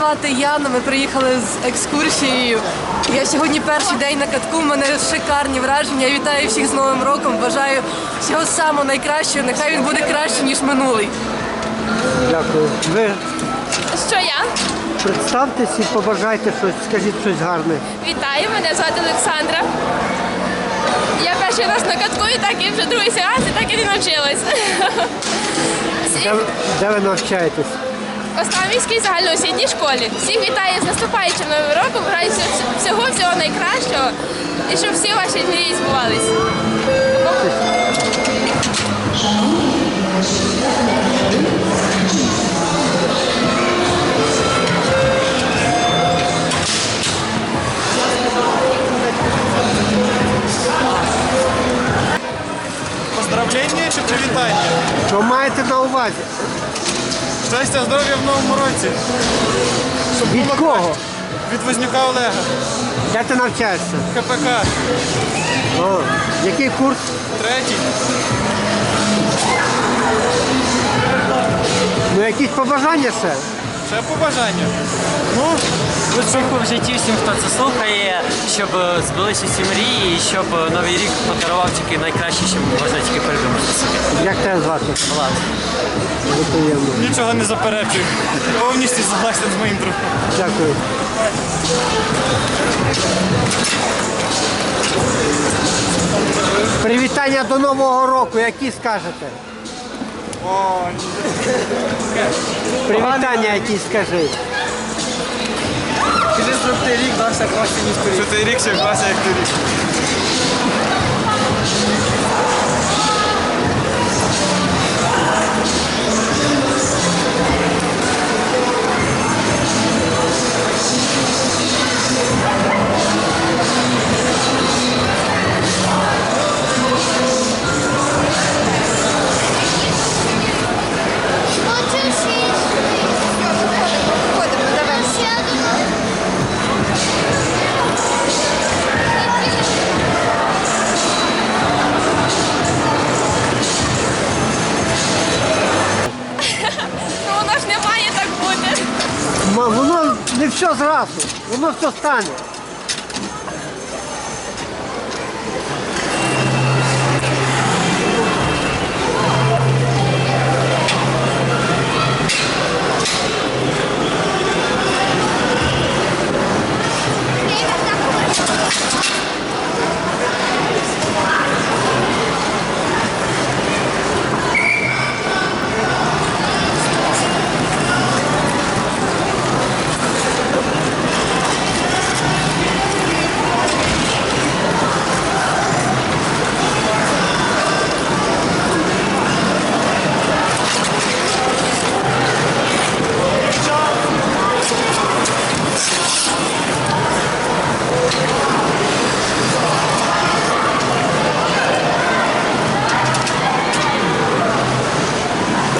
звати Яна, ми приїхали з екскурсією. Я сьогодні перший день на катку, в мене шикарні враження. Я вітаю всіх з Новим роком, бажаю всього самого найкращого, нехай він буде краще, ніж минулий. Дякую. Ви Що я? представтесь і побажайте щось, скажіть щось гарне. Вітаю, мене звати Олександра. Я перший раз на катку і так і вже другий сеанс, і так і не навчилась. Де ви навчаєтесь? В Останвійській загальноосвітній школі. Всіх вітаю з наступаючим Новим роком, бажаю всього найкращого і щоб всі ваші мрії збувались. Поздравлення чи привітання? Що маєте на увазі? Щастя, здоров'я в новому році. Щоб Від було кого? краще. Від Вознюка Олега. Де ти навчаєшся? КПК. О, який курс? Третій. Ну якісь побажання ще? Ще побажання. Ну, Успіху в житті всім, хто це слухає, щоб збулися всі мрії і щоб Новий рік подарував тільки найкраще, що можна тільки придумати собі. Як тебе звати? Влад. Дуже приємно. нічого не заперечую. Повністю согласен з моїм другом. Дякую. Привітання до Нового року, які скажете? О, Привітання які скажи. Скажи, щоб цей рік дався краще, ніж торік. Що цей рік ще краще, як торік. Ну воно ж не має так бути. Воно не все зразу, воно все стане.